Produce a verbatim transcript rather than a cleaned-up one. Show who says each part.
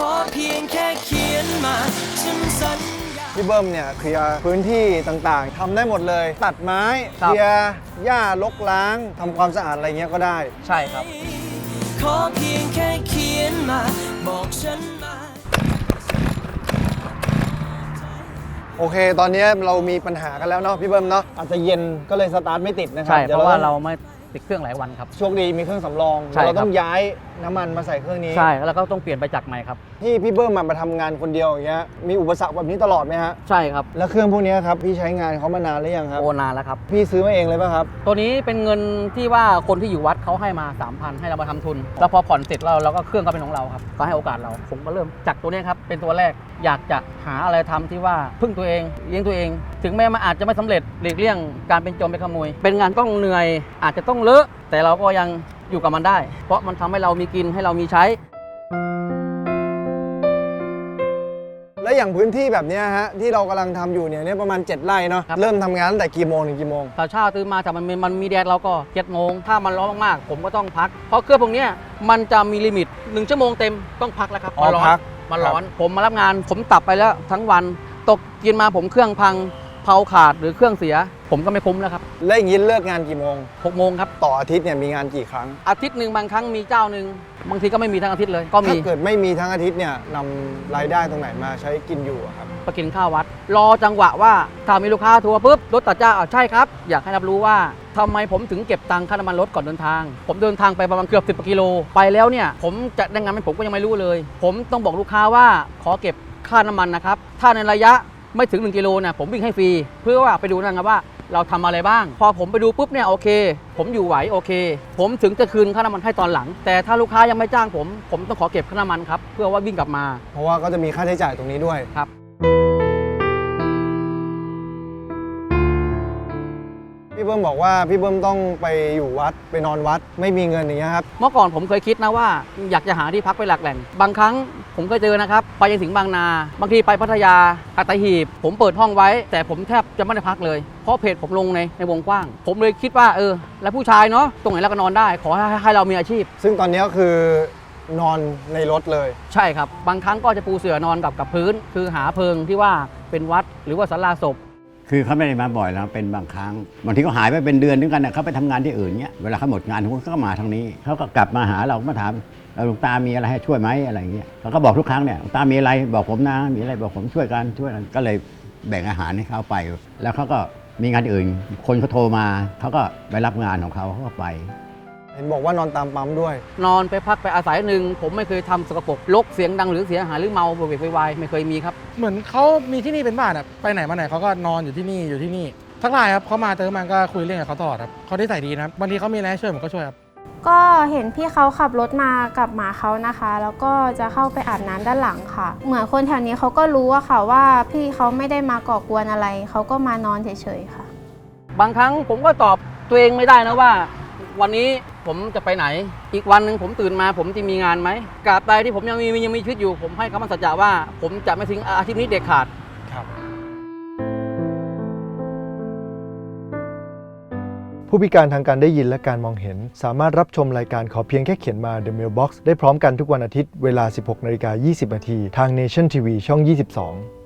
Speaker 1: อเพียงแค่เขียนมาฉันสัญญา
Speaker 2: พี่เบิ้มเนี่ยเคลียร์พื้นที่ต่างๆทำได้หมดเลย ตัดไม้เคลียร์หญ้ารกล้างทำความสะอาดอะไรเงี้ยก็ได้
Speaker 3: ใช่ครับ
Speaker 1: ขอเพียงแค่เขียนมาบอกฉันมา
Speaker 2: โอเคตอนนี้เรามีปัญหากันแล้วเนาะพี่เบิ้มเนาะอาจจะเย็นก็เลยสตาร์ทไม่ติดนะครับ
Speaker 3: ใช่เพราะว่าเราไม่ติดเครื่องหลายวันครับ
Speaker 2: โชคดีมีเครื่องสำรองเราต้องย้ายน้ำมันมาใส่เครื่องนี้
Speaker 3: ใช่แล้วก็ต้องเปลี่ยนไปจักรใหม่ครับ
Speaker 2: ที่พี่เบิ้มมาทำงานคนเดียวอย่างเงี้ยมีอุปสรรคแบบนี้ตลอดไหมฮะ
Speaker 3: ใช่ครับ
Speaker 2: แล้วเครื่องพวกนี้ครับพี่ใช้งานเขามานานหรือยังครับ
Speaker 3: โอนานแล้วครับ
Speaker 2: พี่ซื้อมาเองเลยป่ะครับ
Speaker 3: ตัวนี้เป็นเงินที่ว่าคนที่อยู่วัดเขาให้มา สามพัน ให้เรามาทำทุนแล้วพอผ่อนเสร็จเราเราก็เครื่องก็เป็นของเราครับก็ให้โอกาสเราผมก็เริ่มจากตัวนี้ครับเป็นตัวแรกอยากจะหาอะไรทำที่ว่าพึ่งตัวเองเลี้ยงตัวเองถึงแม้มันอาจจะไม่สำเร็จหลีกเลี่ยงการเป็นโจรเป็นขโมยเป็นงานต้องเหนื่อยอาจจะต้องเลอะแต่เราก็ยังอยู่กับมันได้เพราะมันทำให้เรามีกินให้เรามีใช้
Speaker 2: และอย่างพื้นที่แบบนี้ฮะที่เรากำลังทำอยู่เนี่ยเนี่ยประมาณเจ็ดไร่เนาะเริ่มทำงานตั้งแต่กี่โมงถึงกี่โมง
Speaker 3: เช้าตื่นมาแต่มันมันมีแดดเราก็เจ็ดโมงถ้ามันร้อนมากๆผมก็ต้องพักเพราะเครื่องพวกนี้มันจะมีลิมิตหนึ่งชั่วโมงเต็มต้องพักแล้วครับ
Speaker 2: มันร้อน
Speaker 3: มันร้อนผมมารับงานผมตับไปแล้วทั้งวันตกกินมาผมเครื่องพังเผาขาดหรือเครื่องเสียผมก็ไม่คุ้มแล้วครับ
Speaker 2: แล้วอย่างนี้เลิกงานกี่โมง
Speaker 3: หกโมงครับ
Speaker 2: ต่ออาทิตย์เนี่ยมีงานกี่ครั้ง
Speaker 3: อาทิตย์หนึ่งบางครั้งมีเจ้าหนึ่งบางทีก็ไม่มีทั้งอาทิตย์เลยก็มี
Speaker 2: ถ้าเกิดไม่มีทั้งอาทิตย์เนี่ยนำรายได้ตรงไหนมาใช้กินอยู่ครับ
Speaker 3: ไปกินข้าววัดรอจังหวะว่าถ้ามีลูกค้าทัวร์ปุ๊บรถตัดเจ้าอ๋อใช่ครับอยากให้รับรู้ว่าทำไมผมถึงเก็บตังค่าน้ำมันรถก่อนเดินทางผมเดินทางไปประมาณเกือบสิบกิโลไปแล้วเนี่ยผมจะได้งานไหมผมก็ยังไม่รู้เลยผมต้องบอกลูกค้าว่าขอเก็บค่าน้ำมันนะครับถ้าในระยะไม่ถึงหนึ่งกิโลเนี่ยผมวิ่งให้ฟรีเพื่อว่าไปดูนะครับว่าเราทำอะไรบ้างพอผมไปดูปุ๊บเนี่ยโอเคผมอยู่ไหวโอเคผมถึงจะคืนค่าน้ำมันให้ตอนหลังแต่ถ้าลูกค้ายังไม่จ้างผมผมต้องขอเก็บค่าน้ำมันครับเพื่อว่าวิ่งกลับมา
Speaker 2: เพราะว่าก็จะมีค่าใช้จ่ายตรงนี้ด้วย
Speaker 3: ครับ
Speaker 2: พี่เบิ้มบอกว่าพี่เบิ้มต้องไปอยู่วัดไปนอนวัดไม่มีเงินอย่างเงี้ยครับ
Speaker 3: เมื่อก่อนผมเคยคิดนะว่าอยากจะหาที่พักไปหลักแหล่งบางครั้งผมเคยเจอนะครับไปยังถึงบางนาบางทีไปพัทยาอัตหีบผมเปิดห้องไว้แต่ผมแทบจะไม่ได้พักเลยเพราะเพจผมลงในในวงกว้างผมเลยคิดว่าเออแล้วผู้ชายเนาะตรงไหนเราก็นอนได้ขอให้ให้เรามีอาชีพ
Speaker 2: ซึ่งตอนนี้ก็คือนอนในรถเลย
Speaker 3: ใช่ครับบางครั้งก็จะปูเสื่อนอนกับกับพื้นคือหาเพิงที่ว่าเป็นวัดหรือว่าศาลาศพ
Speaker 4: คือเขาไม่ได้มาบ่อยแล้วเป็นบางครั้งบางทีก็หายไปเป็นเดือนนึงกันนะเขาไปทำงานที่อื่นเนี้ยเวลาเขาหมดงานเขาก็มาทางนี้เขาก็กลับมาหาเรามาถามหลวงตามีอะไรให้ช่วยไหมอะไรเงี้ยเขาก็บอกทุกครั้งเนี่ยหลวงตามีอะไรบอกผมนะมีอะไรบอกผมช่วยกันช่วยกันก็เลยแบ่งอาหารให้เขาไปแล้วเขาก็มีงานอื่นคนเขาโทรมาเขาก็ไปรับงานของเขาเขาก็ไป
Speaker 2: เห็นบอกว่านอนตามปั๊มด้วย
Speaker 3: นอนไปพักไปอาศัยหนึ่งผมไม่เคยทำสกปรกรกเสียงดังหรือเสียหายหรือเมาโวกเวกวายไม่เคยมีครับ
Speaker 5: เหมือนเขามีที่นี่เป็นบ้านอะไปไหนมาไหนเขาก็นอนอยู่ที่นี่อยู่ที่นี่ทักทายครับเขามาเจอมันก็คุยเรื่องกับเขาตลอดครับเขาได้ใส่ดีนะบางทีเขามีอะไรให้ช่วยผมก็ช่วยครับ
Speaker 6: ก็เห็นพี่เขาขับรถมากับหมาเขานะคะแล้วก็จะเข้าไปอาบน้ำด้านหลังค่ะเหมือนคนแถวนี้เขาก็รู้อะค่ะว่าพี่เขาไม่ได้มาก่อกวนอะไรเขาก็มานอนเฉยๆค่ะ
Speaker 3: บางครั้งผมก็ตอบตัวเองไม่ได้นะว่าวันนี้ผมจะไปไหนอีกวันหนึ่งผมตื่นมาผมจะมีงานไหมกราบใดที่ผมยังมียังมีชีวิตอยู่ผมให้คำมั่นสัจจะว่าผมจะไม่ทิ้งอาชีพนี้เด็ดขาด
Speaker 2: ครับผู้พิการทางการได้ยินและการมองเห็นสามารถรับชมรายการขอเพียงแค่เขียนมา The Mailbox ได้พร้อมกันทุกวันอาทิตย์เวลา สิบหกนาฬิกายี่สิบนาทีทาง Nation ที วี ช่อง ยี่สิบสอง